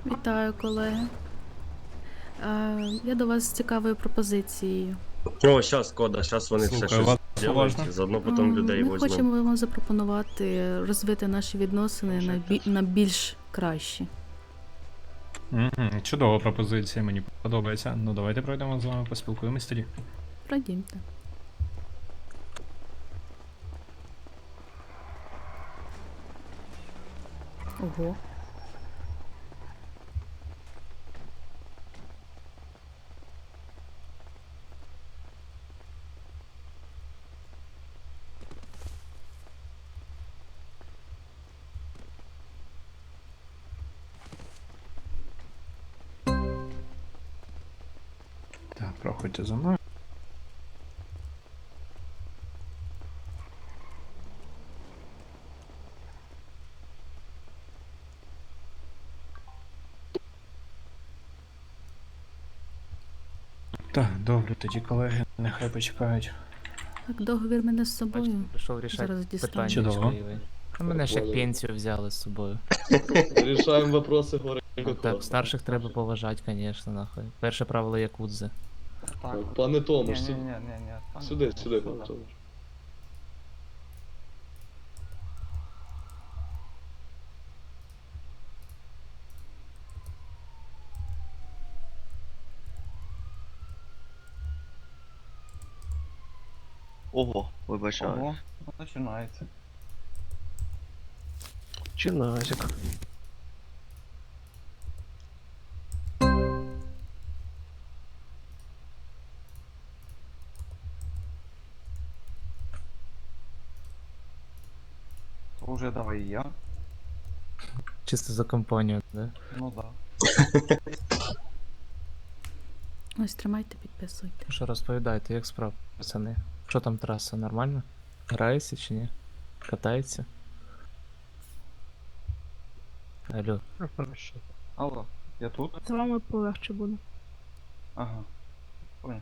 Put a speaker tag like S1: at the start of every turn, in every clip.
S1: Вітаю, колеги. Я до вас з цікавою пропозицією.
S2: О, щас, Кода, щас вони все
S3: Слухаю вас
S2: щось зроблять,
S3: уважно.
S2: заодно потім людей
S1: Ми
S2: возьмемо.
S1: хочемо вам запропонувати розвити наші відносини на більш кращі.
S3: Чудова пропозиція, мені подобається. Ну давайте пройдемо з вами, поспілкуємось тоді.
S1: Пройдімте. Ого.
S3: Так, проходьте за мною. Так, добре, тоді колеги, нехай почекають.
S1: Так, договір мене з собою.
S4: Прийшов рішати
S1: Зараз дістану.
S4: питання
S3: Чудово.
S4: чоловікові. А мене ж як пенсію взяли з собою.
S5: Решаем вопросы города.
S4: Так, старших треба поважати, звісно, нахуй. Перше правило якудзи.
S5: Так, пане Томаш,
S6: Ні, ні, ні, ні.
S5: сюди, пане Томаш.
S7: Ого, вибачаю.
S6: Ого, починається.
S7: Чиназик.
S6: То вже давай і я.
S4: Чисто за компанію, да?
S6: Ну да.
S1: Ось, тримайте, підписуйте.
S4: Що розповідайте, як справа, пацани? Що там траса, нормально? Грається чи ні? Катається? Алло.
S6: Алло, я тут?
S8: З вами полегше буде.
S6: Ага. Понял.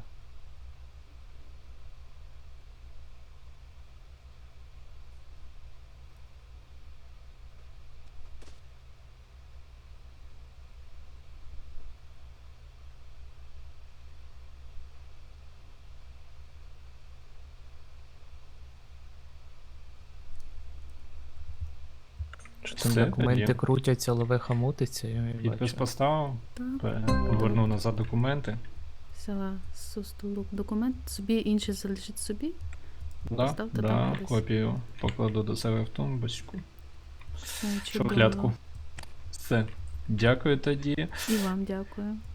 S4: Що там
S3: Все,
S4: документи
S3: тоді.
S4: крутяться, ловеха мутиться, я
S3: Підпис
S4: бачу.
S3: поставив,
S1: Так,
S3: повернув назад документи.
S1: взяла з столу документ, собі інший залишить собі.
S3: Да,
S1: Ставте
S3: да,
S1: там десь.
S3: копію покладу до себе в тумбочку.
S1: Все чудово.
S3: Шухлядку. Все. Дякую тоді.
S1: І вам дякую.